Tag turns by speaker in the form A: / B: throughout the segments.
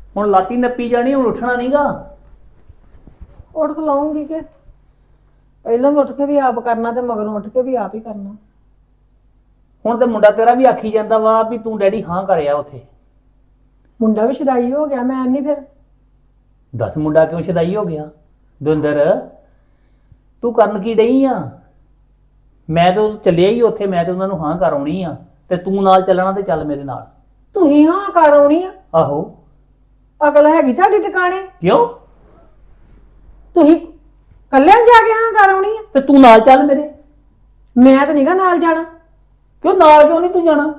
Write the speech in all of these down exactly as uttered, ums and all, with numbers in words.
A: ਹੁਣ ਲਾਤੀ ਨੱਪੀ ਜਾਣੀ, ਹੁਣ ਉੱਠਣਾ ਨਹੀਂਗਾ।
B: ਉੱਠ ਲਾਉਂਗੀ ਕਿ ਪਹਿਲਾਂ ਉੱਠ ਕੇ ਵੀ ਆਪ ਕਰਨਾ ਤੇ ਮਗਰੋਂ ਉੱਠ ਕੇ ਵੀ ਆਪ ਹੀ ਕਰਨਾ।
A: ਹੁਣ ਤੇ ਮੁੰਡਾ ਤੇਰਾ ਵੀ ਆਖੀ ਜਾਂਦਾ ਵਾ ਵੀ ਤੂੰ ਡੈਡੀ ਹਾਂ ਕਰਿਆ ਉੱਥੇ।
B: ਮੁੰਡਾ ਵੀ ਸ਼ਦਾਈ ਹੋ ਗਿਆ, ਮੈਂ ਨਹੀਂ ਫਿਰ।
A: ਦੱਸ ਮੁੰਡਾ ਕਿਉਂ ਸ਼ਦਾਈ ਹੋ ਗਿਆ? ਦਵਿੰਦਰ ਤੂੰ ਕਰਨ ਕੀ ਡਈ ਆ? ਮੈਂ ਤਾਂ ਚੱਲਿਆ ਹੀ ਉੱਥੇ, ਮੈਂ ਤੇ ਉਹਨਾਂ ਨੂੰ ਹਾਂ ਕਰ ਆਉਣੀ ਆ, ਤੇ ਤੂੰ ਨਾਲ ਚੱਲਣਾ ਤੇ ਚੱਲ ਮੇਰੇ ਨਾਲ।
B: ਤੁਸੀਂ ਹਾਂ ਕਰ ਆਉਣੀ ਆ?
A: ਆਹੋ।
B: ਅਕਲ ਹੈਗੀ ਤੁਹਾਡੀ ਟਿਕਾਣੇ?
A: ਕਿਉਂ?
B: ਤੁਸੀਂ ਕੱਲਿਆਂ ਜਾ ਕੇ ਹਾਂ ਕਰ ਆਉਣੀ ਆ?
A: ਤੇ ਤੂੰ ਨਾਲ ਚੱਲ ਮੇਰੇ।
B: ਮੈਂ ਤਾਂ ਨਹੀਂਗਾ ਨਾਲ ਜਾਣਾ।
A: ਕਿਉਂ ਨਾਲ ਕਿਉਂ ਨਹੀਂ ਤੂੰ ਜਾਣਾ?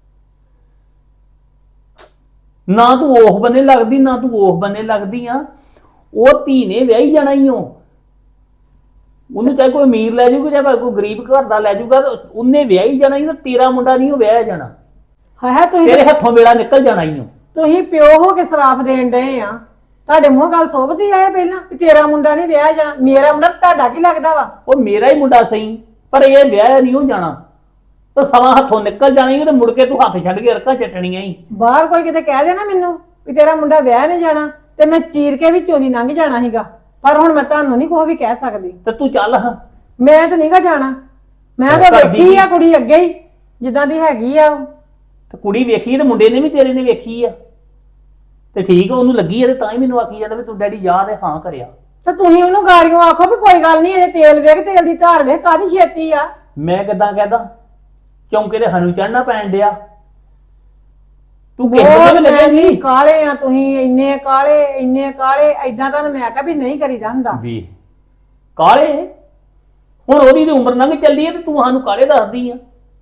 A: ਨਾ ਤੂੰ ਉਹ ਬੰਨੇ ਲੱਗਦੀ, ਨਾ ਤੂੰ ਉਹ ਬੰਨੇ ਲੱਗਦੀ ਆ। ਉਹ ਧੀ ਨੇ ਵਿਆਹੀ ਜਾਣਾ ਹੀ ਉਹ, ਉਹਨੂੰ ਚਾਹੇ ਕੋਈ ਅਮੀਰ ਲੈ ਜਾਊਗਾ ਚਾਹੇ ਕੋਈ ਗਰੀਬ ਘਰ ਦਾ ਲੈ ਜਾਊਗਾ, ਉਹਨੇ ਵਿਆਹੀ ਜਾਣਾ ਹੀ। ਤੇਰਾ ਮੁੰਡਾ ਨਹੀਂ ਉਹ ਵਿਆਹਿਆ ਜਾਣਾ।
B: ਹਾਂ ਤੁਸੀਂ
A: ਤੇਰੇ ਹੱਥੋਂ ਵੇਲਾ ਨਿਕਲ ਜਾਣਾ ਹੀ।
B: ਤੁਸੀਂ ਪਿਓ ਹੋ ਕੇ ਸਰਾਪ ਦੇਣ ਡਏ ਆ। ਤੁਹਾਡੇ ਮੂੰਹ ਗੱਲ ਸੋਭਦੀ ਆਏ ਪਹਿਲਾਂ ਕਿ ਤੇਰਾ ਮੁੰਡਾ ਨਹੀਂ ਵਿਆਹਿਆ ਜਾਣਾ। ਮੇਰਾ ਮੁੰਡਾ ਤੁਹਾਡਾ ਕੀ ਲੱਗਦਾ ਵਾ? ਉਹ
A: ਮੇਰਾ ਹੀ ਮੁੰਡਾ ਸਹੀ, ਪਰ ਇਹ ਵਿਆਹਿਆ ਨਹੀਂ ਹੋ ਜਾਣਾ। ਤਾਂ ਸਮਾਂ ਹੱਥੋਂ ਨਿਕਲ ਜਾਣੀ ਤੇ ਮੁੜ ਕੇ ਤੂੰ ਹੱਥ ਛੱਡ ਕੇ ਅਰਕਾਂ ਚੱਟਣੀਆਂ ਹੀ।
B: ਬਾਹਰ ਕੋਈ ਕਿਤੇ ਕਹਿ ਦੇ ਨਾ ਮੈਨੂੰ ਵੀ ਤੇਰਾ ਮੁੰਡਾ ਵਿਆਹ ਨਹੀਂ ਜਾਣਾ, ਤੇ ਮੈਂ ਚੀਰ ਕੇ ਵਿੱਚੋਂ ਦੀ ਲੰਘ ਜਾਣਾ ਸੀਗਾ। ਪਰ ਹੁਣ ਮੈਂ ਤੁਹਾਨੂੰ ਨਹੀਂ ਕੋਈ ਵੀ ਕਹਿ ਸਕਦੀ।
A: ਤੇ ਤੂੰ ਚੱਲ ਹਾਂ।
B: ਮੈਂ ਤਾਂ ਨਹੀਂਗਾ ਜਾਣਾ। ਮੈਂ ਤਾਂ ਵੇਖੀ ਆ ਕੁੜੀ ਅੱਗੇ ਹੀ ਜਿੱਦਾਂ ਦੀ ਹੈਗੀ ਆ।
A: ਤੇ ਕੁੜੀ ਵੇਖੀ ਤੇ ਮੁੰਡੇ ਨੇ ਵੀ ਤੇਰੇ ਨੇ ਵੇਖੀ ਆ, ਤੇ ਠੀਕ ਉਹਨੂੰ ਲੱਗੀ ਆ, ਤੇ ਤਾਂ ਹੀ ਮੈਨੂੰ ਆਖੀ ਜਾਂਦਾ ਵੀ ਤੂੰ ਡੈਡੀ ਜਾ ਤੇ ਹਾਂ ਕਰਿਆ।
B: ਤੇ ਤੁਸੀਂ ਉਹਨੂੰ ਗਾੜੀਆਂ ਆਖੋ ਵੀ ਕੋਈ ਗੱਲ ਨਹੀਂ, ਇਹ ਤੇਲ ਵੇਖ, ਤੇਲ ਦੀ ਧਾਰ ਵੇਖ, ਕਾਹਦੀ ਛੇਤੀ ਆ।
A: ਮੈਂ ਕਿੱਦਾਂ ਕਹਿਦਾ? ਚੌਂਕੇ ਤੇ ਸਾਨੂੰ ਚੜਨਾ ਪੈਣ ਡਿਆ। ਤੂੰ ਕਿਸੇ ਲੱਗਿਆ ਨਹੀਂ?
B: ਕਾਲੇ ਆ ਤੁਸੀਂ, ਇੰਨੇ ਕਾਲੇ ਇੰਨੇ ਕਾਲੇ। ਏਦਾਂ ਤਾਂ ਮੈਂ ਕਿਹਾ ਵੀ ਨਹੀਂ ਕਰੀਦਾ ਹੁੰਦਾ
A: ਵੀ ਕਾਲੇ। ਹੁਣ ਉਹਦੀ ਤੇ ਉਮਰ ਲੰਘ ਚੱਲੀ ਹੈ ਤੇ ਤੂੰ ਸਾਨੂੰ ਕਾਲੇ ਦੱਸਦੀ ਆ।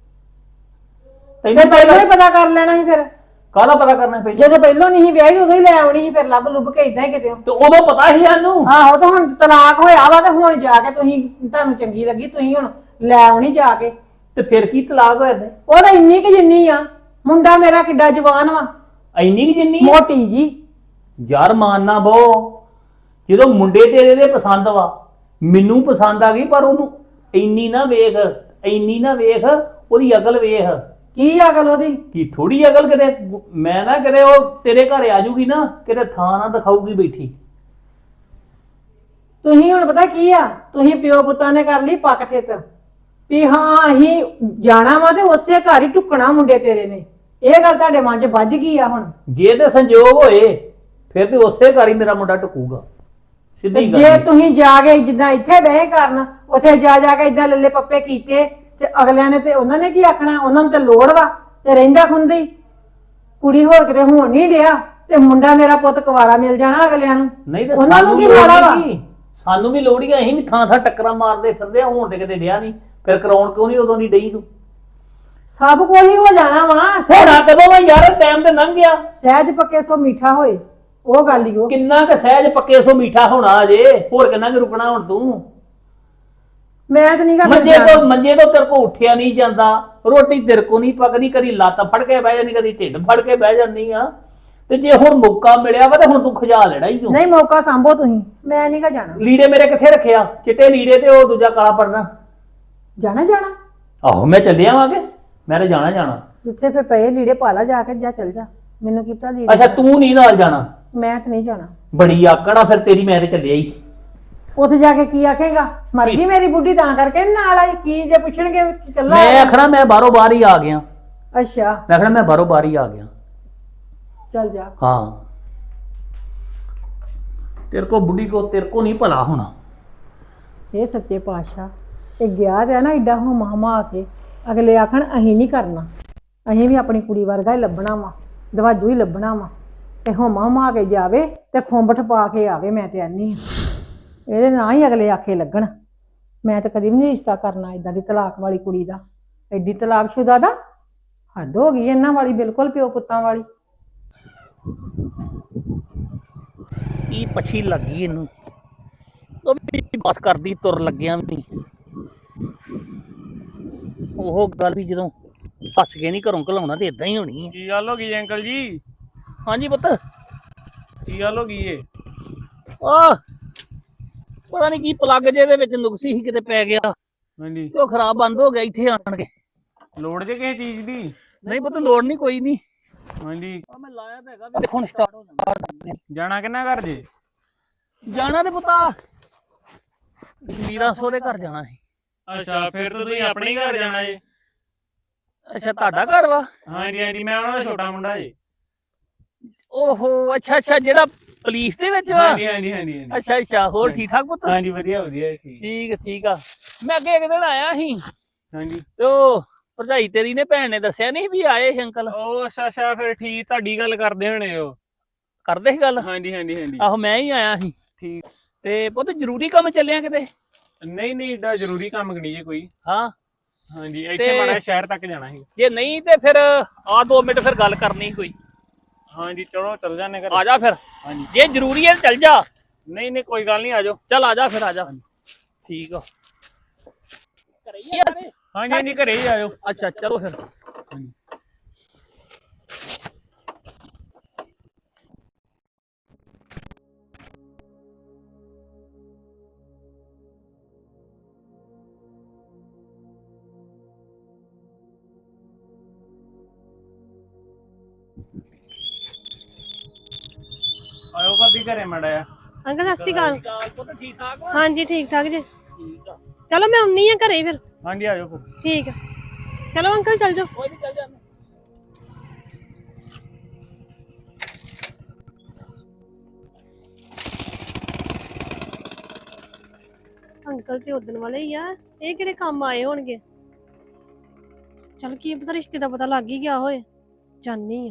B: ਤੈਨੂੰ ਪਹਿਲਾਂ ਹੀ ਪਤਾ ਕਰ ਲੈਣਾ ਸੀ ਫਿਰ।
A: ਕਾਹਦਾ ਪਤਾ ਕਰਨਾ? ਪਹਿਲਾਂ
B: ਜਦੋਂ ਪਹਿਲਾਂ ਨਹੀਂ ਵਿਆਹੀ ਉਦੋਂ ਹੀ ਲੈ ਆਉਣੀ ਸੀ, ਫਿਰ ਲੱਭ ਲੁੱਭ ਕੇ ਏਦਾਂ ਹੀ ਕਿਤੇ।
A: ਤੇ ਉਦੋਂ ਪਤਾ ਸੀ ਸਾਨੂੰ।
B: ਆਹੋ, ਤਾਂ ਹੁਣ ਤਲਾਕ ਹੋਇਆ ਵਾ ਤੇ ਹੁਣ ਜਾ ਕੇ ਤੁਸੀਂ, ਤੁਹਾਨੂੰ ਚੰਗੀ ਲੱਗੀ ਤੁਸੀਂ ਹੁਣ ਲੈ ਆਉਣੀ ਜਾ ਕੇ।
A: ਤੇ ਫਿਰ ਕੀ ਤਲਾਕ ਹੋਇਆ ਤੇ?
B: ਉਹ ਤਾਂ ਇੰਨੀ ਕਿ ਜਿੰਨੀ ਆ। ਮੁੰਡਾ ਮੇਰਾ ਕਿੱਡਾ ਜਵਾਨ ਵਾ।
A: ਇੰਨੀ ਕਿ ਜਿੰਨੀ?
B: ਮੋਟੀ ਜੀ।
A: ਯਾਰ ਮਾਨਣਾ ਬੋ, ਜਦੋਂ ਮੁੰਡੇ ਤੇਰੇ ਦੇ ਪਸੰਦ ਵਾ, ਮੈਨੂੰ ਪਸੰਦ ਆ ਗਈ, ਪਰ ਉਹਨੂੰ ਇੰਨੀ ਨਾ ਵੇਖ, ਇੰਨੀ ਨਾ ਵੇਖ, ਉਹਦੀ ਅਕਲ ਵੇਖ।
B: ਕੀ ਅਕਲ ਉਹਦੀ?
A: ਕੀ ਥੋੜੀ ਅਕਲ? ਕਿਤੇ ਮੈਂ ਨਾ ਕਿਤੇ ਉਹ ਤੇਰੇ ਘਰ ਆ ਜੂਗੀ ਨਾ, ਕਿਤੇ ਥਾਂ ਨਾ ਦਿਖਾਊਗੀ ਬੈਠੀ।
B: ਤੁਸੀਂ ਹੁਣ ਪਤਾ ਕੀ ਆ, ਤੁਸੀਂ ਪਿਓ ਪੁੱਤਾਂ ਨੇ ਕਰ ਲਈ ਪੱਕ ਥਿੱਤ ਵੀ ਹਾਂ ਅਸੀਂ ਜਾਣਾ ਵਾ ਤੇ ਉਸੇ ਘਰ ਹੀ ਟੁੱਕਣਾ ਮੁੰਡੇ ਤੇਰੇ ਨੇ। ਇਹ ਗੱਲ ਤੁਹਾਡੇ ਮਨ 'ਚ ਵੱਜ ਗਈ ਆ। ਹੁਣ
A: ਜੇ ਤੇ ਸੰਜੋਗ ਹੋਏ ਫਿਰ ਤੇ ਉਸੇ ਘਰ ਹੀ ਮੇਰਾ ਮੁੰਡਾ ਟੁਕੂਗਾ। ਸਿੱਧੀ ਗੱਲ।
B: ਜੇ ਤੁਸੀਂ ਜਾ ਕੇ ਜਿੱਦਾਂ ਇੱਥੇ ਡਏ ਕਰਨ, ਉੱਥੇ ਜਾ ਜਾ ਕੇ ਏਦਾਂ ਲੱਲੇ ਪੱਪੇ ਕੀਤੇ ਤੇ ਅਗਲਿਆਂ ਨੇ ਤੇ ਉਹਨਾਂ ਨੇ ਕੀ ਆਖਣਾ? ਉਹਨਾਂ ਨੂੰ ਤੇ ਲੋੜ ਵਾ ਤੇ ਰਹਿੰਦਾ ਖੁੰਦੀ ਕੁੜੀ ਹੋਰ ਕਿਤੇ ਹੋਣ ਨਹੀਂ ਡਿਆ, ਤੇ ਮੁੰਡਾ ਮੇਰਾ ਪੁੱਤ ਕੁਵਾਰਾ ਮਿਲ ਜਾਣਾ ਅਗਲਿਆਂ ਨੂੰ।
A: ਨਹੀਂ ਤੇ
B: ਉਹਨਾਂ ਨੂੰ ਕੀ ਮਾੜਾ ਵਾ?
A: ਸਾਨੂੰ ਵੀ ਲੋੜ ਹੀ ਆ, ਅਸੀਂ ਵੀ ਥਾਂ ਥਾਂ ਟੱਕਰਾਂ ਮਾਰਦੇ ਫਿਰਦੇ ਆ। ਹੁਣ ਤੇ ਕਿਤੇ ਡਿਆ ਨਹੀਂ, ਫਿਰ ਕਰਾਉਣ ਕਿਉਂ ਨਹੀਂ ਉਦੋਂ ਦੀ ਡਈ ਤੂੰ?
B: ਸਭ ਕੁਝ ਹੀ ਹੋ ਜਾਣਾ ਵਾ।
A: ਹੋਣਾ ਕਦੋਂ ਵਾ ਯਾਰ? ਟਾਈਮ ਤੇ ਲੰਘ ਗਿਆ।
B: ਸਹਿਜ ਪੱਕੇ ਸੋ ਮਿੱਠਾ ਹੋਏ, ਉਹ ਗੱਲ ਹੀ। ਉਹ
A: ਕਿੰਨਾ ਕੁ ਸਹਿਜ ਪੱਕੇ ਸੋ ਮਿੱਠਾ ਹੋਣਾ ਅਜੇ, ਹੋਰ ਕਿੰਨਾ ਕੁ ਰੁਕਣਾ ਹੁਣ ਤੂੰ?
B: ਮੈਂ ਤਾਂ ਨਹੀਂ ਕਰਦਾ।
A: ਮੰਜੇ ਤੋਂ ਮੰਜੇ ਤੋਂ ਤੇਰੇ ਕੋ ਉੱਠਿਆ ਨਹੀਂ ਜਾਂਦਾ, ਰੋਟੀ ਤੇਰੇ ਕੋ ਨਹੀਂ ਪੱਕਦੀ, ਕਦੀ ਲੱਤ ਫੜ ਕੇ ਬਹਿ ਜਾਂਦੀ, ਕਦੀ ਢਿੱਡ ਫੜ ਕੇ ਬਹਿ ਜਾਂਦੀ ਆ। ਤੇ ਜੇ ਹੁਣ ਮੌਕਾ ਮਿਲਿਆ ਵਾ ਤੇ ਹੁਣ ਤੂੰ ਖਜਾ ਲੈਣਾ ਹੀ ਤੂੰ।
B: ਨਹੀਂ, ਮੌਕਾ ਸੰਭੋ ਤੁਸੀਂ। ਮੈਂ ਨਹੀਂ ਕਾ ਜਾਣਾ।
A: ਲੀੜੇ ਮੇਰੇ ਕਿੱਥੇ ਰੱਖਿਆ? ਚਿੱਟੇ ਲੀੜੇ ਤੇ ਉਹ ਦੂਜਾ ਕਾਲਾ ਪੜਨਾ।
B: ਜਾਣਾ ਜਾਣਾ
A: ਆਹੋ ਮੈਂ ਚੱਲਿਆ ਵਾਂਗੇ, ਮੈਂ ਤਾਂ ਜਾਣਾ ਜਾਣਾ।
B: ਜਿੱਥੇ ਫੇ ਪਏ ਲੀੜੇ ਪਾਲਾ ਜਾ ਕੇ, ਜਾ ਚੱਲ ਜਾ। ਮੈਨੂੰ ਕੀ ਪਤਾ ਲੀੜੇ।
A: ਅੱਛਾ ਤੂੰ ਨਹੀਂ ਨਾਲ ਜਾਣਾ?
B: ਮੈਂ ਤਾਂ ਨਹੀਂ ਜਾਣਾ।
A: ਬੜੀ ਆਕੜ ਆ ਫਿਰ ਤੇਰੀ। ਮੈਂ ਤੇ ਚੱਲਿਆ ਹੀ।
B: ਉੱਥੇ ਜਾ ਕੇ ਕੀ ਆਖੇਗਾ? ਮਰ ਗਈ ਮੇਰੀ ਬੁੱਢੀ ਤਾਂ ਕਰਕੇ ਨਾਲ ਆਈ। ਕੀ ਜੇ ਪੁੱਛਣਗੇ ਕੱਲਾ?
A: ਮੈਂ ਆਖਣਾ ਮੈਂ ਬਾਹਰੋਂ ਬਾਹਰ ਹੀ ਆ ਗਿਆ।
B: ਅੱਛਾ,
A: ਮੈਂ ਆਖਣਾ ਮੈਂ ਬਾਹਰੋਂ ਬਾਹਰ ਹੀ ਆ ਗਿਆ।
B: ਚੱਲ ਜਾ।
A: ਹਾਂ, ਤੇਰੇ ਕੋ ਬੁੱਢੀ ਕੋ ਤੇਰੇ ਕੋ ਨਹੀਂ ਭਲਾ ਹੋਣਾ।
B: ਇਹ ਸੱਚੇ ਪਾਤਸ਼ਾਹ, ਇਹ ਗਿਆ ਤੇ ਨਾ ਏਡਾ ਹੁਮਾ ਹੁਮਾ ਕੇ, ਅਗਲੇ ਆਖਣ ਅਸੀਂ ਨਹੀਂ ਕਰਨਾ, ਅਸੀਂ ਵੀ ਆਪਣੀ ਕੁੜੀ ਵਰਗਾ ਹੀ ਲੱਭਣਾ ਵਾ, ਦਵਾਜੂ ਹੀ ਲੱਭਣਾ ਵਾ। ਤੇ ਹੁਮਾ ਹੁਮਾ ਕੇ ਜਾਵੇ ਤੇ ਖੁੰਬਠ ਪਾ ਕੇ ਆਵੇ। ਮੈਂ ਤੇ ਆਨੀ ਇਹਦੇ ਨਾਲ ਹੀ ਅਗਲੇ ਆਖੇ ਲੱਗਣ। ਮੈਂ ਤਾਂ ਕਦੀ ਵੀ ਨਹੀਂ ਰਿਸ਼ਤਾ ਕਰਨਾ ਏਦਾਂ ਦੀ ਤਲਾਕ ਵਾਲੀ ਕੁੜੀ ਦਾ। ਐਡੀ ਤਲਾਕਸ਼ੁਦਾ ਦਾ ਹੱਦ ਹੋ ਗਈ ਇਹਨਾਂ ਵਾਲੀ, ਬਿਲਕੁਲ ਪਿਓ ਪੁੱਤਾਂ ਵਾਲੀ।
A: ਕੀ ਪਛੀ ਲੱਗੀ ਇਹਨੂੰ, ਉਹ ਵੀ ਬਸ ਕਰਦੀ ਤੁਰ ਲੱਗਿਆ ਵੀ। ਉਹ ਗੱਲ ਵੀ ਜਦੋਂ ਹੱਸ ਕੇ ਨਹੀਂ ਘਰੋਂ ਘਲਾਉਣਾ ਤੇ ਇਦਾਂ ਹੀ ਹੋਣੀ ਹੈ।
C: ਕੀ ਗੱਲ ਹੋ ਗਈ ਅੰਕਲ ਜੀ?
A: ਹਾਂਜੀ ਪੁੱਤ।
C: ਕੀ ਗੱਲ ਹੋ ਗਈ ਏ?
A: ਆਹ ਪਤਾ ਨਹੀਂ ਕੀ ਪਲੱਗ ਜੇ ਦੇ ਵਿੱਚ ਨੁਕਸੀ ਸੀ, ਕਿਤੇ ਪੈ ਗਿਆ
C: ਹਾਂਜੀ।
A: ਤੇ ਉਹ ਖਰਾਬ ਬੰਦ ਹੋ ਗਿਆ ਇੱਥੇ ਆਣ ਕੇ।
C: ਲੋੜ ਜੇ ਕਿਸੇ ਚੀਜ਼ ਦੀ?
A: ਨਹੀਂ ਪੁੱਤ ਲੋੜ ਨਹੀਂ, ਕੋਈ ਨਹੀਂ।
C: ਹਾਂਜੀ
A: ਆ ਮੈਂ ਲਾਇਆ ਤਾਂ ਹੈਗਾ ਵੀ ਹੁਣ ਸਟਾਰਟ ਹੋ ਜਾਂਦਾ।
C: ਜਾਣਾ ਕਿੰਨਾ ਘਰ ਜੇ?
A: ਜਾਣਾ ਤੇ ਪੁੱਤਾ ਕਸ਼ਮੀਰਾ ਸੋਹਰੇ ਘਰ ਜਾਣਾ ਸੀ।
C: ਅੱਛਾ ਫਿਰ ਤਾਂ ਤੁਸੀਂ ਆਪਣੇ ਹੀ ਘਰ ਜਾਣਾ ਜੇ।
A: ਅੱਛਾ ਤੁਹਾਡਾ ਘਰ ਵਾ?
C: ਹਾਂਜੀ ਹਾਂਜੀ ਮੈਂ ਉਹਨਾਂ ਦਾ ਛੋਟਾ ਮੁੰਡਾ ਜੇ।
A: ਓਹੋ ਅੱਛਾ ਅੱਛਾ ਜਿਹੜਾ ਪੁਲਿਸ ਦੇ ਵਿੱਚ ਵਾ?
C: ਹਾਂਜੀ ਹਾਂਜੀ ਹਾਂਜੀ ਹਾਂਜੀ
A: ਅੱਛਾ ਅੱਛਾ ਹੋਰ ਠੀਕ ਠਾਕ ਪੁੱਤ?
C: ਹਾਂਜੀ ਵਧੀਆ ਵਧੀਆ ਠੀਕ।
A: ਠੀਕ ਠੀਕ ਆ। ਮੈਂ ਅੱਗੇ ਇੱਕ ਦਿਨ ਆਇਆ ਸੀ
C: ਹਾਂਜੀ
A: ਤੇ ਉਹ ਭਰਜਾਈ ਤੇਰੀ ਨੇ ਭੈਣ ਨੇ ਦੱਸਿਆ ਨਹੀਂ ਵੀ ਆਏ ਸੀ ਅੰਕਲ।
C: ਉਹ ਅੱਛਾ ਅੱਛਾ ਫਿਰ ਠੀਕ ਤੁਹਾਡੀ ਗੱਲ ਕਰਦੇ ਹੋਣੇ ਉਹ।
A: ਕਰਦੇ ਸੀ ਗੱਲ?
C: ਹਾਂਜੀ ਹਾਂਜੀ ਹਾਂਜੀ
A: ਆਹੋ ਮੈਂ ਹੀ ਆਇਆ ਸੀ।
C: ਠੀਕ।
A: ਤੇ ਪੁੱਤ ਜ਼ਰੂਰੀ ਕੰਮ ਚੱਲਿਆ ਕਿਤੇ?
C: ਨਹੀਂ ਨਹੀਂ ਏਡਾ ਜ਼ਰੂਰੀ ਕੰਮ ਨਹੀਂ ਜੇ ਕੋਈ।
A: ਹਾਂ
C: ਹਾਂਜੀ ਇੱਥੇ
A: ਤੇ
C: ਮਾੜਾ ਸ਼ਹਿਰ ਤੱਕ ਜਾਣਾ ਸੀ।
A: ਜੇ ਨਹੀਂ ਤੇ ਫਿਰ ਆ ਦੋ ਮਿੰਟ ਫਿਰ ਗੱਲ ਕਰਨੀ ਕੋਈ।
C: ਹਾਂਜੀ ਚਲੋ ਚੱਲ ਜਾਂਦੇ ਘਰੇ।
A: ਆ ਜਾ ਫਿਰ।
C: ਹਾਂਜੀ
A: ਜੇ ਜ਼ਰੂਰੀ ਹੈ ਚੱਲ ਜਾ।
C: ਨਹੀਂ ਨਹੀਂ ਕੋਈ ਗੱਲ ਨਹੀਂ ਆ ਜਾਓ।
A: ਚੱਲ ਆ ਜਾ ਫਿਰ ਆ ਜਾ। ਠੀਕ ਆ। ਘਰੇ ਹੀ ਆ ਸਾਰੇ?
C: ਹਾਂਜੀ ਹਾਂਜੀ ਘਰੇ ਹੀ ਆ ਜਾਓ।
A: ਅੱਛਾ ਚਲੋ ਫਿਰ।
C: ਹਾਂਜੀ ਆਇਓ ਭਾਬੀ ਘਰੇ ਮਾੜਾ ਆ।
D: ਅੰਕਲ ਸਤਿ ਸ਼੍ਰੀ ਅਕਾਲ।
A: ਪੁੱਤ ਠੀਕ ਠਾਕ ਵਾ?
D: ਹਾਂਜੀ ਠੀਕ ਠਾਕ ਜੀ।
A: ਠੀਕ ਆ।
D: ਚਲੋ ਮੈਂ ਆਉਣੀ ਆ ਘਰੇ ਫਿਰ।
C: ਹਾਂਜੀ ਆ ਜਾਓ ਫਿਰ।
D: ਠੀਕ ਆ ਚਲੋ ਅੰਕਲ ਚੱਲ ਜਾਓ।
A: ਕੋਈ ਨਹੀਂ ਚੱਲ ਜਾਂਦੇ।
D: ਅੰਕਲ ਤੇ ਉਦਣ ਵਾਲੇ ਹੀ ਆ, ਇਹ ਕਿਹੜੇ ਕੰਮ ਆਏ ਹੋਣਗੇ। ਚਲ ਕੀ ਪਤਾ ਰਿਸ਼ਤੇ ਦਾ ਪਤਾ ਲੱਗ ਹੀ ਗਿਆ ਹੋਏ। ਜਾਨੀ ਆ।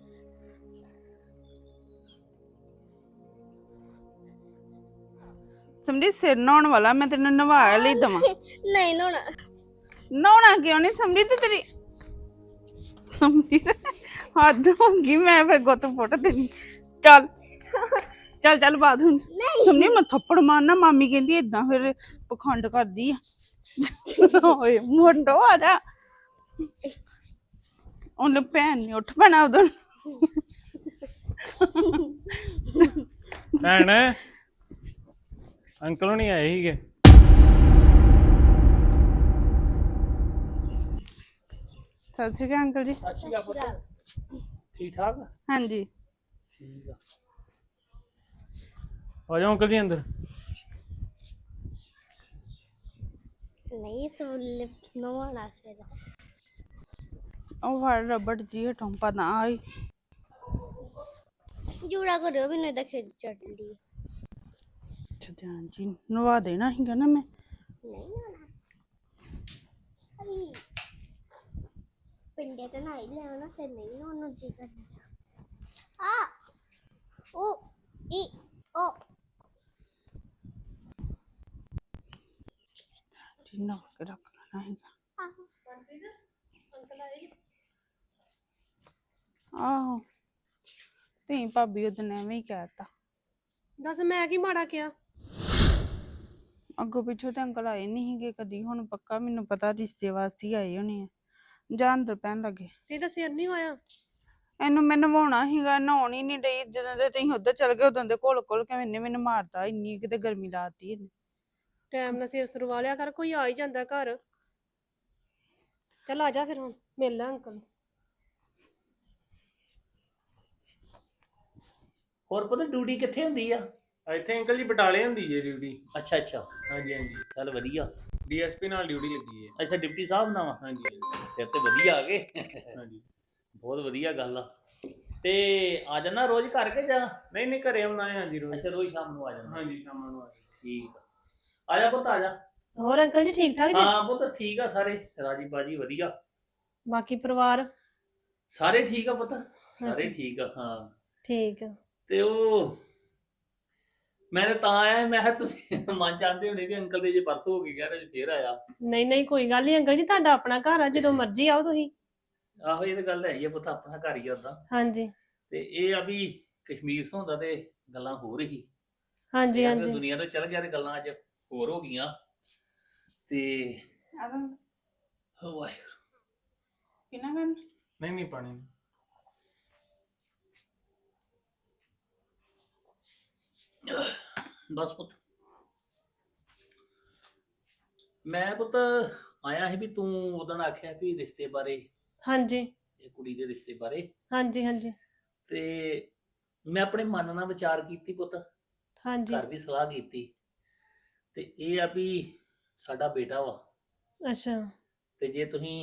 E: ਸਮਝੀ ਸਿਰ ਨਹਾਉਣ ਵਾਲਾ ਮੈਂ ਤੈਨੂੰ ਨਵਾ ਲਈ ਦਵਾਂ।
F: ਨਹੀਂ ਨਹਾਉਣਾ।
E: ਨਹਾਉਣਾ ਕਿਉਂ ਨਹੀਂ ਸਮਝੀ ਤੇ ਤੇਰੀ ਸਮਝੀ ਹੱਦ ਹੋ ਗਈ। ਮੈਂ ਫਿਰ ਗੁੱਤ ਫੁੱਟ ਦੇਣੀ। ਚੱਲ ਚੱਲ ਚੱਲ ਬਾਤ ਹੁਣ ਸਮਝੀ ਮੈਂ ਥੱਪੜ ਮਾਰਨਾ। ਮਾਮੀ ਕਹਿੰਦੀ ਏਦਾਂ ਫਿਰ ਪਖੰਡ ਕਰਦੀ ਆ। ਓਏ ਮੁੰਡੋ ਆ ਜਾ। ਉਹਨੇ ਭੈਣ ਨੇ ਉੱਠ ਪੈਣਾ ਉਦੋਂ।
C: ਭੈਣ ਅੰਕਲ ਹੁਣੀ ਆਏ ਸੀਗੇ।
E: ਸਤਿ ਸ਼੍ਰੀ ਅਕਾਲ ਅੰਕਲ ਜੀ।
A: ਸਤਿ ਸ਼੍ਰੀ ਅਕਾਲ ਪੁੱਤ। ਠੀਕ ਠਾਕ?
E: ਹਾਂਜੀ
A: ਠੀਕ ਆ।
C: ਆ ਜਾਓ ਅੰਕਲ ਜੀ ਅੰਦਰ।
F: ਨਹੀਂ ਸੁਣ ਨਹਾਉਣਾ ਸਿਰ।
E: ਉਹ ਫੜ ਰਬੜ ਜੀ ਹਟਾਂ ਪਤਾ ਆਈ।
F: ਜੂੜਾ ਕਰਿਓ ਮੈਨੂੰ ਇਹਦਾ ਖਿੱਚ ਚੜਦੀ।
E: ਅੱਛਾ ਧਿਆਨ ਜੀ ਨਵਾ ਦੇਣਾ ਸੀਗਾ ਨਾ ਮੈਂ।
F: ਨਹੀਂ ਨਹਾਉਣਾ। ਅਰੇ ਪਿੰਡੇ ਤੇ ਨਹਾਈ ਲੈਣਾ ਸਿਰ ਨਹੀਂ ਨਹਾਉਣਾ ਜੀ ਕਰਨਾ। ਆ ਓ ਈ ਓ
E: ਜਿੰਨਾ ਕੇ ਰੱਖ ਲੈਣਾ ਹੈਗਾ। ਆਹੋ ਤੇ ਭਾਬੀ ਉਹਦਨ ਐਵੇਂ ਹੀ ਕਹਿਤਾ।
D: ਦੱਸ ਮੈਂ ਕੀ ਮਾੜਾ ਕਿਹਾ?
E: ਅੱਗੋਂ ਪਿੱਛੋਂ ਤੇ ਅੰਕਲ ਆਏ ਨਹੀਂ ਸੀਗੇ ਕਦੀ। ਹੁਣ ਪੱਕਾ ਮੈਨੂੰ ਪਤਾ ਰਿਸ਼ਤੇ ਵਾਸਤੇ ਹੀ ਆਏ ਹੋਣੇ ਆ। ਜਾਂ ਅੰਦਰ ਪੈਣ ਲੱਗੇ।
D: ਤੇ ਤਾਂ ਸਿਰ ਨਹੀਂ ਹੋਇਆ।
E: ਇਹਨੂੰ ਮੈਂ ਨਵਾਉਣਾ ਸੀਗਾ। ਨਹਾਉਣ ਹੀ ਨਹੀਂ ਡਈ। ਜਦੋਂ ਦੇ ਤੁਸੀਂ ਉੱਧਰ ਚਲ ਗਏ ਉਦੋਂ ਦੇ ਘੁਲ ਘੁਲ ਕੇ ਇਹਨੇ ਮੈਨੂੰ ਮਾਰਤਾ। ਇੰਨੀ ਕਿਤੇ ਗਰਮੀ ਲਾਤੀ ਇਹਨੇ।
D: ਟਾਈਮ ਨਾਲ ਸਿਰ ਸਰਵਾ ਲਿਆ ਕਰ। ਕੋਈ ਆ ਹੀ ਜਾਂਦਾ ਘਰ। ਚੱਲ ਆ ਜਾ ਫਿਰ ਹੁਣ ਮਿਲ ਲੈ ਅੰਕਲ।
A: ਹੋਰ ਪੁੱਤ ਡਿਊਟੀ ਕਿੱਥੇ ਹੁੰਦੀ ਆ?
C: ਇੱਥੇ ਅੰਕਲ ਜੀ ਬਟਾਲੇ ਹੁੰਦੀ ਜੇ ਡਿਊਟੀ।
A: ਅੱਛਾ ਅੱਛਾ
C: ਹਾਂਜੀ ਹਾਂਜੀ
A: ਚੱਲ ਵਧੀਆ।
C: ਡੀਐਸਪੀ ਨਾਲ ਡਿਊਟੀ ਲੱਗੀ ਹੈ।
A: ਅੱਛਾ ਡਿਪਟੀ ਸਾਹਿਬ ਨਾਲ ਵਾ?
C: ਹਾਂਜੀ
A: ਫਿਰ ਤੇ ਵਧੀਆ ਆ ਗਏ।
C: ਹਾਂਜੀ
A: ਬਹੁਤ ਵਧੀਆ ਗੱਲ ਆ। ਤੇ ਆ ਜਾਣਾ ਰੋਜ਼ ਘਰ ਕੇ ਜਾ?
C: ਨਹੀਂ ਨਹੀਂ ਘਰੇ ਆਉਣਾ ਹੈ। ਹਾਂਜੀ ਰੋਜ਼।
A: ਅੱਛਾ ਰੋਜ਼ ਸ਼ਾਮ ਨੂੰ ਆ ਜਾਣਾ।
C: ਹਾਂਜੀ ਸ਼ਾਮਾਂ ਨੂੰ ਆ ਜਾਓ।
A: ਠੀਕ ਆ। ਆ ਜਾ ਪੁੱਤ ਆ ਜਾ।
D: ਹੋਰ ਅੰਕਲ ਜੀ ਠੀਕ ਠਾਕ ਜੀ?
A: ਹਾਂ ਪੁੱਤ ਠੀਕ ਆ ਸਾਰੇ ਰਾਜੀ ਬਾਜੀ ਵਧੀਆ।
D: ਬਾਕੀ ਪਰਿਵਾਰ
A: ਸਾਰੇ ਠੀਕ ਆ ਪੁੱਤ ਸਾਰੇ
D: ਹਾਂਜੀ।
A: ਠੀਕ ਆ। ਹਾਂ
D: ਠੀਕ ਆ।
A: ਤੇ ਉਹ ਮੈਂ ਤਾਂ ਆਇਆ ਮੈਂ ਕਿਹਾ ਤੁਸੀਂ ਮਨ ਚਾਹੁੰਦੇ ਹੋਣੇ ਵੀ ਅੰਕਲ ਦੇ ਜੇ ਪਰਸੋਂ ਹੋ ਕੇ ਗਿਆ ਤੇ ਫੇਰ ਆਇਆ।
D: ਨਹੀਂ ਨਹੀਂ ਕੋਈ ਗੱਲ ਨਹੀਂ ਅੰਕਲ ਜੀ। ਤੁਹਾਡਾ ਆਪਣਾ ਘਰ ਆ। ਜਦੋਂ ਮਰਜ਼ੀ ਆਓ ਤੁਸੀਂ।
A: ਆਹੋ ਇਹ ਤਾਂ ਗੱਲ ਹੈ ਹੀ ਆ ਪੁੱਤ ਆਪਣਾ ਘਰ ਹੀ ਆ ਉਦਾਂ।
D: ਹਾਂਜੀ
A: ਤੇ ਇਹ ਆ ਵੀ ਕਸ਼ਮੀਰ ਸੌਂਦਾ ਤੇ ਗੱਲਾਂ ਹੋ ਰਹੀ।
D: ਹਾਂਜੀ ਹਾਂਜੀ।
A: ਦੁਨੀਆ ਤੋਂ ਚਲ ਗਿਆ ਤੇ ਗੱਲਾਂ ਅੱਜ ਹੋਰ ਹੋ ਗਈਆਂ। ਤੇ ਵਾਹਿਗੁਰੂ
E: ਕਿੰਨਾ ਕਰਨ
C: ਨਹੀਂ ਨਹੀਂ ਪਾਣੀ
A: ਬਸ ਪੁੱਤ ਮੈਂ ਪੁੱਤ ਆਇਆ ਸੀ ਵੀ ਤੂੰ ਉਦੋਂ ਆਖਿਆ ਵੀ ਰਿਸ਼ਤੇ ਬਾਰੇ
D: ਹਾਂਜੀ
A: ਇਹ ਕੁੜੀ ਦੇ ਰਿਸ਼ਤੇ ਬਾਰੇ,
D: ਹਾਂਜੀ ਹਾਂਜੀ
A: ਤੇ ਮੈਂ ਆਪਣੇ ਮਨ ਨਾਲ ਵਿਚਾਰ ਕੀਤੀ ਪੁੱਤ,
D: ਹਾਂਜੀ
A: ਘਰ ਵੀ ਸਲਾਹ ਕੀਤੀ, ਤੇ ਇਹ ਆ ਵੀ ਸਾਡਾ ਬੇਟਾ ਵਾ,
D: ਅੱਛਾ
A: ਤੇ ਜੇ ਤੁਸੀਂ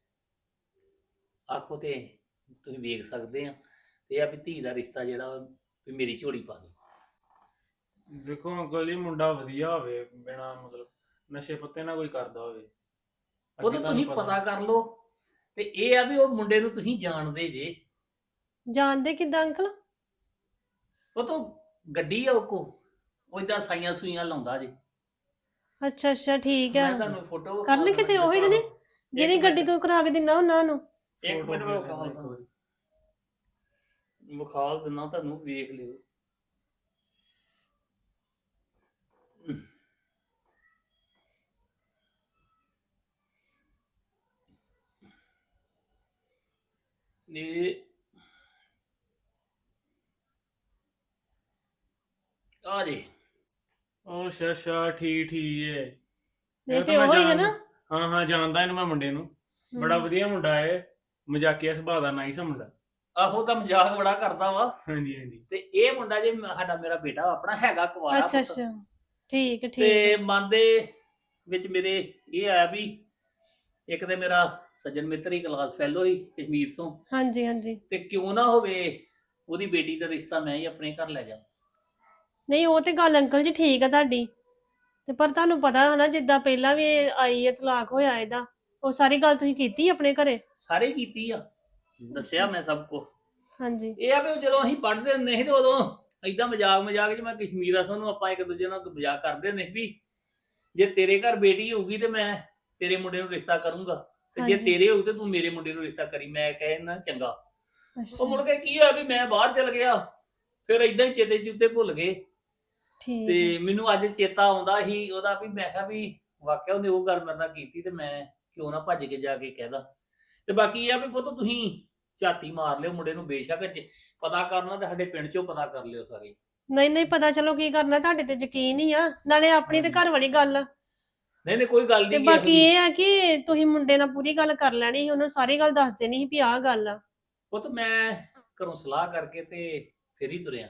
A: ਆਖੋ ਤੇ ਤੁਸੀਂ ਵੇਖ ਸਕਦੇ ਆ, ਤੇ ਇਹ ਆ ਵੀ ਧੀ ਦਾ ਰਿਸ਼ਤਾ ਜਿਹੜਾ ਵਾ ਵੀ ਮੇਰੀ ਝੋਲੀ ਪਾ ਦਿਓ।
C: ਦੇਖੋ ਅੰਕਲ ਜੀ, ਮੁੰਡਾ ਵਧੀਆ ਹੋਵੇ, ਬਿਨਾ ਮਤਲਬ ਨਸ਼ੇ ਪੱਤੇ ਨਾ ਕੋਈ ਕਰਦਾ ਹੋਵੇ।
A: ਉਹ
C: ਅੱਗੇ
A: ਤਾਂ
C: ਤੁਹਾਨੂੰ
A: ਤੁਸੀਂ ਪਤਾ ਕਰ ਲਓ, ਤੇ ਇਹ ਆ ਵੀ ਉਹ ਮੁੰਡੇ ਨੂੰ ਤੁਸੀਂ ਜਾਣਦੇ ਜੇ,
D: ਜਾਣਦੇ ਕਿੱਦਾਂ ਅੰਕਲ?
A: ਉਹ ਤਾਂ ਗੱਡੀ ਆ ਉਹ ਕੋ, ਉਹ ਏਦਾਂ ਸਾਈਆਂ ਸੂਈਆਂ ਲਾਉਂਦਾ ਜੇ।
D: ਅੱਛਾ ਅੱਛਾ ਠੀਕ ਹੈ।
A: ਮੈਂ ਤੁਹਾਨੂੰ ਫੋਟੋ
D: ਕਰਨ ਕਿਤੇ ਉਹੀ ਤੇ ਨੀ ਜਿਹਦੀ ਗੱਡੀ ਤੋਂ ਕਰਾ ਕੇ ਦਿੰਦਾ ਉਹਨਾਂ ਨੂੰ।
A: ਇੱਕ
C: photo
A: ਮਿੰਟ ਮੈਂ
C: ਭੇਜ
A: ਵਿਖਾਲ
C: ਦਿੰਦਾ ਇੱਕ
A: ਦਿੰਦਾ,
C: ਵਾਰੀ।
A: ਵਿਖਾਲ ਦਿੰਦਾ ਤੁਹਾਨੂੰ, ਵੇਖ ਲਿਓ। ਇਹ ਆ ਜੀ,
C: ਉਹ ਅੱਛਾ ਅੱਛਾ ਠੀਕ ਠੀਕ ਹੈ।
D: ਨਹੀਂ
C: ਇਹ
D: ਤੇ
C: ਤਾਂ ਮੈਂ
D: ਉਹੀ ਹੈ ਨਾ।
C: ਜਾਣਦਾ- ਹਾਂ ਹਾਂ ਜਾਣਦਾ ਇਹਨੂੰ ਮੈਂ ਮੁੰਡੇ ਨੂੰ, ਬੜਾ ਵਧੀਆ ਮੁੰਡਾ ਹੈ, ਮਜ਼ਾਕੀਆ ਸੁਭਾਅ ਦਾ, ਨਾਈਸ ਮੁੰਡਾ।
A: ਆਹੋ ਤਾਂ ਮਜ਼ਾਕ ਬੜਾ ਕਰਦਾ ਵਾ।
C: ਹਾਂਜੀ ਹਾਂਜੀ
A: ਤੇ ਇਹ ਮੁੰਡਾ ਜੇ ਸਾਡਾ ਮੇਰਾ ਬੇਟਾ ਆਪਣਾ ਹੈਗਾ ਕੁਵਾਰਾ
D: ਅੱਛਾ
A: ਪੁੱਤ।
D: ਅੱਛਾ ਠੀਕ ਹੈ, ਠੀਕ
A: ਤੇ
D: ਹੈ।
A: ਮਨ ਦੇ ਵਿੱਚ ਮੇਰੇ ਇਹ ਆਇਆ ਵੀ ਇੱਕ ਤੇ ਮੇਰਾ ਸੱਜਣ ਮਿੱਤਰ ਹੀ, ਕਲਾਸ ਫੈਲੋ ਹੀ ਕਸ਼ਮੀਰ ਤੋਂ,
D: ਹਾਂਜੀ ਹਾਂਜੀ
A: ਤੇ ਕਿਉਂ ਨਾ ਹੋਵੇ ਉਹਦੀ ਬੇਟੀ ਦਾ ਰਿਸ਼ਤਾ ਮੈਂ ਹੀ ਆਪਣੇ ਘਰ ਲੈ ਜਾ।
D: ਨਹੀਂ ਉਹ ਤੇ ਗੱਲ ਅੰਕਲ ਜੀ ਠੀਕ ਆ ਤੁਹਾਡੀ, ਤੇ ਪਰ ਤੁਹਾਨੂੰ ਪਤਾ ਹੈ ਨਾ ਜਿੱਦਾਂ ਪਹਿਲਾਂ ਵੀ ਇਹ ਆਈ ਹੈ, ਤਲਾਕ ਹੋਇਆ ਇਹਦਾ, ਉਹ ਸਾਰੀ ਗੱਲ ਤੁਸੀਂ ਕੀਤੀ ਆਪਣੇ ਘਰੇ?
A: ਸਾਰੇ ਕੀਤੀ ਆ, ਦੱਸਿਆ ਮੈਂ ਸਭ ਕੁਝ।
D: ਹਾਂਜੀ
A: ਇਹ ਆ ਵੀ ਜਦੋਂ ਅਸੀਂ ਪੜ੍ਹਦੇ ਹੁੰਦੇ ਸੀ ਤੇ ਉਦੋਂ ਏਦਾਂ ਮਜ਼ਾਕ ਮਜ਼ਾਕ 'ਚ ਮੈਂ ਕਸ਼ਮੀਰ ਆ ਤੁਹਾਨੂੰ ਆਪਾਂ ਇੱਕ ਦੂਜੇ ਨਾਲ ਮਜ਼ਾਕ ਕਰਦੇ ਹੁੰਦੇ ਸੀ ਵੀ ਜੇ ਤੇਰੇ ਘਰ ਬੇਟੀ ਹੋਊਗੀ ਤੇ ਮੈਂ ਤੇਰੇ ਮੁੰਡੇ ਨੂੰ ਰਿਸ਼ਤਾ ਕਰੂੰਗਾ, ਤੇ ਜੇ
D: ਹਾਂਜੀ।
A: ਤੇਰੇ ਹੋਊ ਤੇ ਤੂੰ ਮੇਰੇ ਮੁੰਡੇ ਨੂੰ ਰਿਸ਼ਤਾ ਕਰੀ। ਮੈਂ ਕਹਿਣਾ ਚੰਗਾ। ਉਹ
D: ਅੱਛਾ
A: ਮੁੜ ਕੇ ਕੀ ਹੋਇਆ ਵੀ ਮੈਂ ਬਾਹਰ ਚਲ ਗਿਆ, ਫਿਰ ਏਦਾਂ ਹੀ ਚੇਤੇ ਚੁੱਤੇ ਭੁੱਲ ਗਏ।
D: ਠੀਕ
A: ਤੇ
D: ਹੈ।
A: ਮੈਨੂੰ ਅੱਜ ਚੇਤਾ ਆਉਂਦਾ ਸੀ ਉਹਦਾ, ਵੀ ਮੈਂ ਕਿਹਾ ਵੀ ਵਾਕਿਆ ਉਹਨੇ ਉਹ ਗੱਲ ਮੇਰੇ ਨਾਲ ਕੀਤੀ, ਤੇ ਮੈਂ ਕਿਉਂ ਨਾ ਭੱਜ ਕੇ ਜਾ ਕੇ ਕਹਿਦਾ। ਤੇ ਬਾਕੀ ਇਹ ਆ ਵੀ ਪੁੱਤ ਤੁਸੀਂ ਝਾਤੀ ਮਾਰ ਲਿਓ ਮੁੰਡੇ ਨੂੰ, ਬੇਸ਼ੱਕ ਜੇ ਪਤਾ ਕਰਨਾ ਤੇ ਸਾਡੇ ਪਿੰਡ ਚੋਂ ਪਤਾ ਕਰ ਲਿਓ ਸਾਰੇ।
D: ਨਹੀਂ ਨਹੀਂ ਪਤਾ, ਚਲੋ ਕੀ ਕਰਨਾ, ਤੁਹਾਡੇ ਤੇ ਯਕੀਨ ਹੀ ਆ, ਨਾਲੇ ਆਪਣੀ ਤੇ ਘਰ ਵਾਲੀ ਗੱਲ ਆ।
A: ਨਹੀਂ ਨਹੀਂ ਕੋਈ ਗੱਲ
D: ਤੇ
A: ਨਹੀਂ।
D: ਬਾਕੀ ਇਹ ਆ ਕਿ ਤੁਸੀਂ ਮੁੰਡੇ ਨਾਲ ਪੂਰੀ ਗੱਲ ਕਰ ਲੈਣੀ ਸੀ, ਉਹਨੂੰ ਸਾਰੀ ਗੱਲ ਦੱਸ ਦੇਣੀ ਸੀ ਵੀ ਆਹ ਗੱਲ ਆ।
A: ਪੁੱਤ ਮੈਂ ਘਰੋਂ ਸਲਾਹ ਕਰਕੇ ਤੇ ਫਿਰ ਹੀ ਤੁਰਿਆ,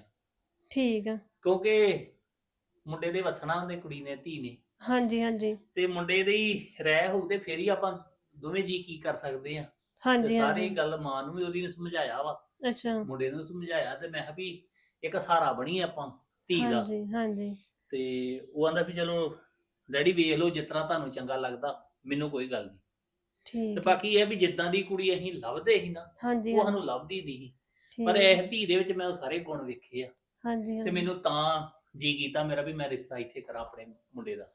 D: ਠੀਕ ਆ।
A: ਕਿਉਂਕਿ ਮੁੰਡੇ ਦੇ ਵਸਣਾ ਉਹਨੇ, ਕੁੜੀ ਨੇ, ਧੀ ਨੇ,
D: ਹਾਂਜੀ ਹਾਂਜੀ
A: ਤੇ ਮੁੰਡੇ ਦੀ ਰਹਿ ਹੋਊ ਤੇ ਫਿਰ ਹੀ ਆਪਾਂ ਦੋਵੇਂ ਜੀ ਕੀ ਕਰ ਸਕਦੇ ਆ। ਤੇ
D: ਹਾਂਜੀ
A: ਸਾਰੀ
D: ਹਾਂਜੀ
A: ਗੱਲ ਮਾਂ ਨੂੰ ਵੀ ਉਹਦੀ ਨੂੰ ਸਮਝਾਇਆ ਵਾ,
D: ਅੱਛਾ
A: ਮੁੰਡੇ ਨੂੰ ਸਮਝਾਇਆ, ਤੇ ਮੈਂ ਕਿਹਾ ਵੀ ਇੱਕ ਸਹਾਰਾ ਬਣੀ ਆਪਾਂ ਧੀ ਦਾ।
D: ਹਾਂਜੀ ਹਾਂਜੀ
A: ਤੇ ਉਹ ਆਂਦਾ ਵੀ ਚਲੋ ਡੈਡੀ ਵੇਖ ਲਓ ਜਿਸ ਤਰ੍ਹਾਂ ਤੁਹਾਨੂੰ ਚੰਗਾ ਲੱਗਦਾ, ਮੈਨੂੰ ਕੋਈ ਗੱਲ ਨਹੀਂ। ਤੇ
D: ਠੀਕ ਆ।
A: ਬਾਕੀ ਇਹ ਆ ਵੀ ਜਿੱਦਾਂ ਦੀ ਕੁੜੀ ਅਸੀਂ ਲੱਭਦੇ ਸੀ ਨਾ,
D: ਹਾਂਜੀ
A: ਉਹ
D: ਹਾਂਜੀ
A: ਸਾਨੂੰ ਲੱਭਦੀ ਨਹੀਂ ਸੀ।
D: ਠੀਕ
A: ਪਰ
D: ਆ।
A: ਇਸ ਧੀ ਦੇ ਵਿੱਚ ਮੈਂ ਉਹ ਸਾਰੇ ਗੁਣ ਵੇਖੇ ਆ,
D: ਹਾਂਜੀ
A: ਤੇ
D: ਹਾਂਜੀ
A: ਮੈਨੂੰ ਤਾਂ ਜੀ ਕੀਤਾ ਮੇਰਾ ਵੀ ਮੈਂ ਰਿਸ਼ਤਾ ਇੱਥੇ ਕਰਾਂ ਆਪਣੇ ਮੁੰਡੇ ਦਾ।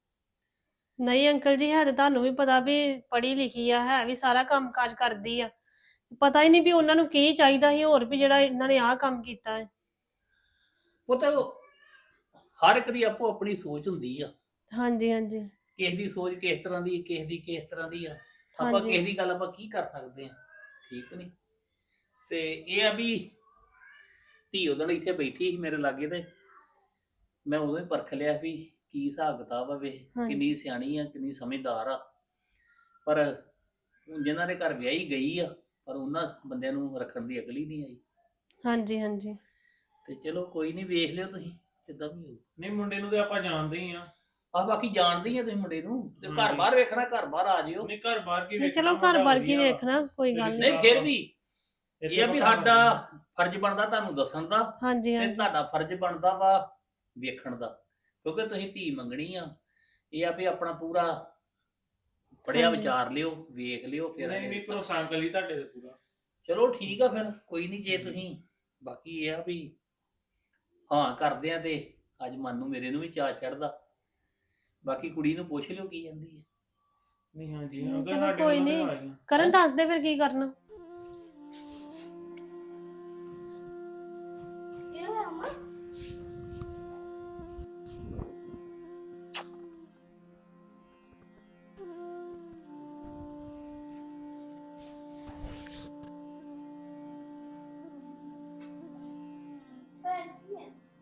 D: ਨਹੀਂ ਅੰਕਲ ਜੀ, ਹੈ ਤੇ ਤੁਹਾਨੂੰ ਵੀ ਪਤਾ ਵੀ ਪੜ੍ਹੀ ਲਿਖੀ ਆ, ਹੈ ਵੀ ਸਾਰਾ ਕੰਮ ਕਾਜ ਕਰਦੀ ਆ, ਪਤਾ ਹੀ ਨਹੀਂ ਵੀ ਉਹਨਾਂ ਨੂੰ ਕੀ ਚਾਹੀਦਾ ਸੀ ਹੋਰ ਵੀ ਜਿਹੜਾ ਇਹਨਾਂ ਨੇ ਆਹ ਕੰਮ ਕੀਤਾ ਹੈ।
A: ਉਹ ਤਾਂ ਹਰ ਇੱਕ ਦੀ ਆਪੋ ਆਪਣੀ ਸੋਚ ਹੁੰਦੀ ਆ,
D: ਹਾਂਜੀ ਹਾਂਜੀ
A: ਕਿਸੇ ਦੀ ਸੋਚ ਕਿਸ ਤਰ੍ਹਾਂ ਦੀ, ਕਿਸੇ ਦੀ ਕਿਸ ਤਰ੍ਹਾਂ ਦੀ ਆ, ਆਪਾਂ
D: ਹਾਂਜੀ।
A: ਕਿਸੇ ਦੀ ਗੱਲ ਆਪਾਂ ਕੀ ਕਰ ਸਕਦੇ ਆ, ਠੀਕ ਨਹੀਂ। ਤੇ ਇਹ ਆ ਵੀ ਧੀ ਉਦੋਂ ਇੱਥੇ ਬੈਠੀ ਸੀ ਮੇਰੇ ਲਾਗੇ, ਤੇ ਮੈਂ ਉਦੋਂ ਹੀ ਪਰਖ ਲਿਆ ਵੀ ਕੀ ਹਿਸਾਬ ਕਿਤਾਬ ਆ, ਵੇ
D: ਹਾਂਜੀ।
A: ਕਿੰਨੀ ਸਿਆਣੀ ਆ, ਕਿੰਨੀ ਸਮਝਦਾਰ ਆ। ਪਰ ਹੁਣ ਜਿਨ੍ਹਾਂ ਦੇ ਘਰ ਵਿਆਹੀ ਗਈ ਆ, ਪਰ ਉਹਨਾਂ ਬੰਦਿਆਂ ਨੂੰ ਰੱਖਣ ਦੀ ਅਕਲ ਹੀ ਨਹੀਂ ਆਈ।
D: ਹਾਂਜੀ ਹਾਂਜੀ
A: ਤੇ ਚਲੋ ਕੋਈ ਨਹੀਂ, ਵੇਖ ਲਿਓ ਤੁਸੀਂ ਕਿੱਦਾਂ ਵੀ ਹੋ।
C: ਨਹੀਂ ਮੁੰਡੇ ਨੂੰ ਤੇ ਆਪਾਂ ਜਾਣਦੇ ਹੀ ਆ।
A: ਆਹ ਬਾਕੀ ਜਾਣਦੇ ਹੀ ਆ ਤੁਸੀਂ ਮੁੰਡੇ ਨੂੰ, ਤੇ ਘਰ
C: ਹਾਂਜੀ।
A: ਬਾਹਰ ਵੇਖਣਾ, ਘਰ ਬਾਹਰ ਆ ਜਿਓ।
C: ਨਹੀਂ ਘਰ ਬਾਹਰ ਕੀ
D: ਨਹੀਂ,
C: ਵੇਖਣਾ,
D: ਚਲੋ ਘਰ
C: ਮੁੰਡਾ
D: ਬਾਰ ਕੀ
C: ਵਧੀਆ ਵਾ।
D: ਵੇਖਣਾ, ਕੋਈ ਗੱਲ
C: ਨਹੀਂ,
D: ਨਹੀਂ।
A: ਨਹੀਂ ਫਿਰ ਵੀ
C: ਇੱਥੇ
A: ਇਹ ਆ ਵੀ
C: ਪਤਾ
A: ਸਾਡਾ
C: ਲੱਗਦਾ।
A: ਫਰਜ਼ ਬਣਦਾ ਤੁਹਾਨੂੰ ਦੱਸਣ ਦਾ,
D: ਹਾਂਜੀ
A: ਤੇ
D: ਹਾਂਜੀ
A: ਤੁਹਾਡਾ ਫਰਜ਼ ਬਣਦਾ ਵਾ ਵੇਖਣ ਦਾ, ਕਿਉਂਕਿ ਤੁਸੀਂ ਧੀ ਮੰਗਣੀ ਆ। ਇਹ ਆ ਵੀ ਆਪਣਾ ਪੂਰਾ ਪੜਿਆ
D: ਹਾਂਜੀ।
A: ਵਿਚਾਰ ਲਿਓ, ਵੇਖ ਲਿਓ, ਫਿਰ
C: ਨਹੀਂ ਨਹੀਂ ਭਰੋਸਾ ਅੰਕਲ ਜੀ ਤੁਹਾਡੇ ਤੇ ਪੂਰਾ।
A: ਚਲੋ ਠੀਕ ਆ ਫਿਰ, ਕੋਈ ਨਹੀਂ ਜੇ ਤੁਸੀਂ, ਬਾਕੀ ਇਹ ਆ ਵੀ ਹਾਂ ਕਰਦੇ ਆ, ਤੇ ਅੱਜ ਮਨ ਨੂੰ ਮੇਰੇ ਨੂੰ ਵੀ ਚਾਅ ਚੜਦਾ। ਬਾਕੀ ਕੁੜੀ ਨੂੰ ਪੁੱਛ ਲਿਓ ਕੀ ਜਾਂਦੀ ਹੈ।
C: ਨਹੀਂ ਹਾਂਜੀ
D: ਨਹੀਂ,
C: ਅੰਕਲ
D: ਚਲੋ
C: ਸਾਡੇ
D: ਕੋਈ
C: ਵੱਲੋਂ ਤੇ
D: ਨਹੀਂ।
C: ਆ ਗਈਆਂ।
D: ਕਰਨ ਦੱਸ ਦੇ ਫਿਰ ਕੀ ਕਰਨਾ।
F: ਕੀ ਹੋਇਆ ਮਾਂ? ਹੋਇਆ ਕੀ ਹੈ?